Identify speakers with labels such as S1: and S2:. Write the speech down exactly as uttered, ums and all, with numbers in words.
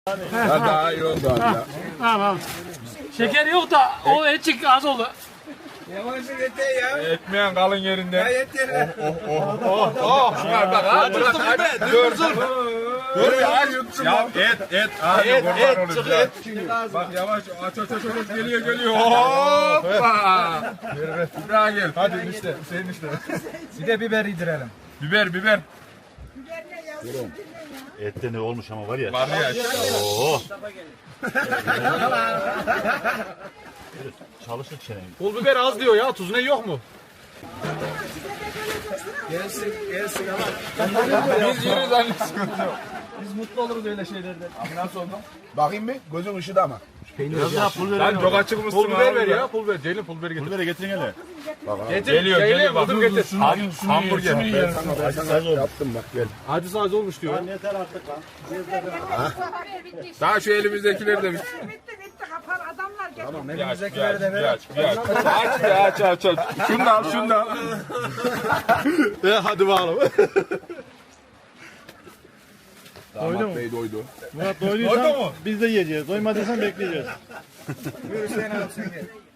S1: Ya daha iyi oldu abi ya.
S2: Tamam. Şeker yok da o etçik az oldu.
S3: Yavaşlık yeter ya.
S1: Etmeyen kalın yerinde.
S3: Ya yeter.
S1: Oh oh. Şuna bak ha. Dur dur dur. Dur ya. Ya et et. Abi et et. Çık et. Bak yavaş aç aç aç aç geliyor geliyor. Hoppa. Bir daha gel. Hadi işte. Senin işte.
S3: Bir de biber yedirelim.
S1: Biber biber.
S4: Ette ne olmuş ama var ya.
S1: Var ya.
S4: Oo. Çalışır çenen.
S2: Pul biber az diyor ya. Tuz ne yok mu?
S3: Gelsin gelsin ama.
S1: Biz yürüyoruz anne sıkıntı yok.
S3: Biz mutlu oluruz öyle şeylerden.
S1: Abi nasıl oldu?
S5: Bakayım bir gözün ışıdı ama.
S4: Biraz daha pul
S1: Sen
S4: verin.
S1: çok açık mısın
S2: Pul biber ver
S1: abi?
S2: ya. Pul biber. Ceylin pul biberi getir.
S4: Pul vere getirin hele.
S2: Getir.
S1: Geliyor
S2: Ceylin,
S1: geliyor bak.
S2: buldum getir.
S1: Ham- Hamburger.
S5: Ben sana, ben sana yaptım bak gel.
S2: Acı saz olmuş diyor.
S1: Daha şu elimizdekileri de bir
S6: Bitti bitti kapar adamlar geldi.
S3: Tamam
S1: aç, bir
S3: elimizdekileri
S1: aç,
S3: de
S1: bir
S3: verelim.
S1: aç, bir aç. Aç, bir aç, aç, aç. Şunu da al, şunu da al.
S2: Hadi bakalım.
S5: Damat Bey doydu.
S4: Murat doyduysan biz de yiyeceğiz. Doymadıysan bekleyeceğiz.
S3: Buyur Hüseyin abi sen gel.